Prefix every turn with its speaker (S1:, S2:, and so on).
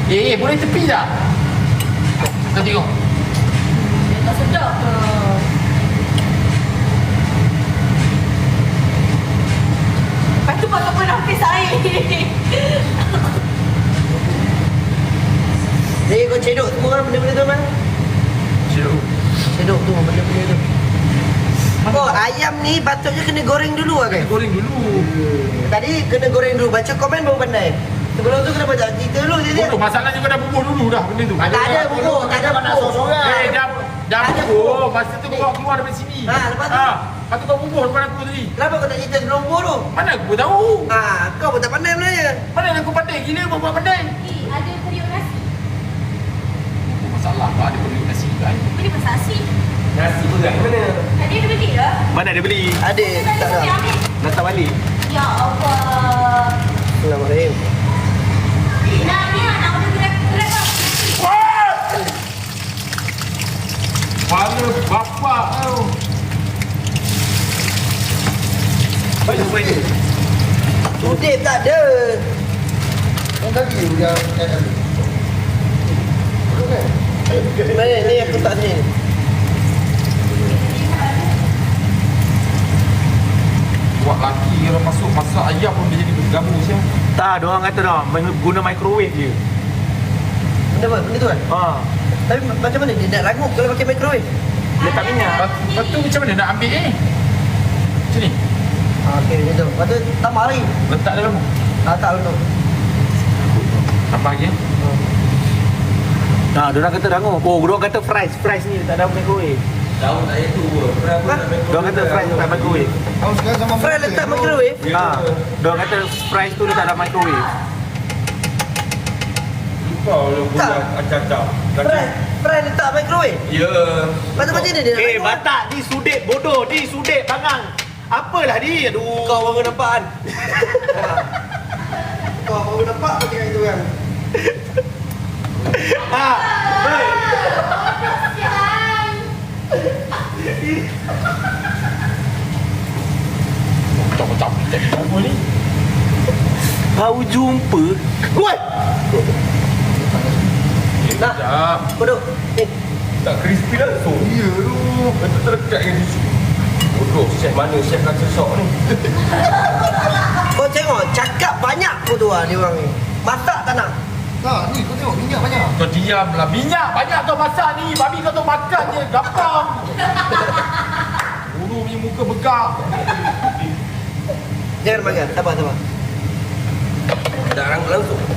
S1: Boleh tepi tak? Kau tengok.
S2: Dia tak sedap ke? Lepas tu kau tak pernah habis air.
S3: Jadi kau cedok semua kan benda-benda tu man? Cedok tu benda-benda tu. Oh, ayam ni patutnya kena goreng dulu kan?
S1: Goreng dulu.
S3: Tadi kena goreng dulu, baca komen baru pandai. Sebelum tu kenapa tak cerita dulu dia?
S1: Bodoh, masalahnya kau dah bubuh dulu dah benda tu.
S3: Tak ada bubuh, tak ada bubuh.
S1: Dah bubuh. Masa tu kau bawa keluar daripada sini.
S3: Lepas tu?
S1: Lepas tu kau bubuh depan aku tadi.
S3: Kenapa kau tak cerita sebelum bubuh tu?
S1: Mana aku tahu?
S3: Kau pun tak pandai sebenarnya.
S1: Mana aku pandai gila buat pandai.
S2: Ada periuk nasi.
S1: Masalah kau ada periuk nasi kan?
S2: Beli masak nasi.
S4: Nasi berat mana?
S2: Tadi ada beli ke?
S4: Mana ada beli?
S3: Ada, tak ada.
S4: Datang balik.
S2: Ya Allah.
S3: Bismillahirrahmanirrahim.
S2: Nak order grab lah.
S1: Kepala bapak kau.
S4: Banyak.
S3: Sudip tak ada.
S5: Yang tadi yang
S3: Mana ni aku tak sini.
S1: Buat laki kalau masuk masak ayam pun dia jadi bergamu siapa?
S4: Tak, diorang kata dah guna microwave je.
S3: Benda tu kan? Tapi macam mana dia nak rangup kalau pakai microwave?
S4: Letak minyak.
S1: Lepas tu macam mana nak ambil ni? Macam ni?
S3: Okey, macam tu. Lepas tu tambah lagi.
S1: Letak dalam tu?
S3: Tak betul.
S1: Tambah lagi
S4: Diorang kata rangup. Diorang kata fries ni letak dalam microwave.
S5: tahu tak ada tu pun.
S4: Diorang kata fries letak microwave.
S5: Tahu sekarang zaman
S3: Fry letak microwave.
S4: Diorang kata fries tu letak dalam microwave.
S5: Lupa orang budak acak-acak.
S3: Fry letak microwave.
S5: Ya.
S3: Lepas tu macam mana dia nak rangup?
S4: Batak ni sudip bodoh, ni sudip bangang. Apalah ni? Aduh.
S3: Kau baru nampak kan? Kau baru nampak apa cakap itu kan?
S1: Macam-macam jadi apa ni?
S4: Kau jumpa. Woi.
S3: Nak? Bodoh. Ni.
S5: Tak crispy langsung. Ya tu. Betul terdekat dengan tisu. Bodoh, chef mana chef kacau sok ni?
S3: Kau tengok, cakap banyak pun tu lah dia orang ni. Masak tak nak.
S5: Tak, ni kau tengok minyak banyak.
S1: Kau diamlah. Minyak banyak kau masak ni. Babi kau tu makan je. Gampang. Bulu punya muka begak.
S3: Jangan makan. Sabar.
S5: Tak rangup langsung.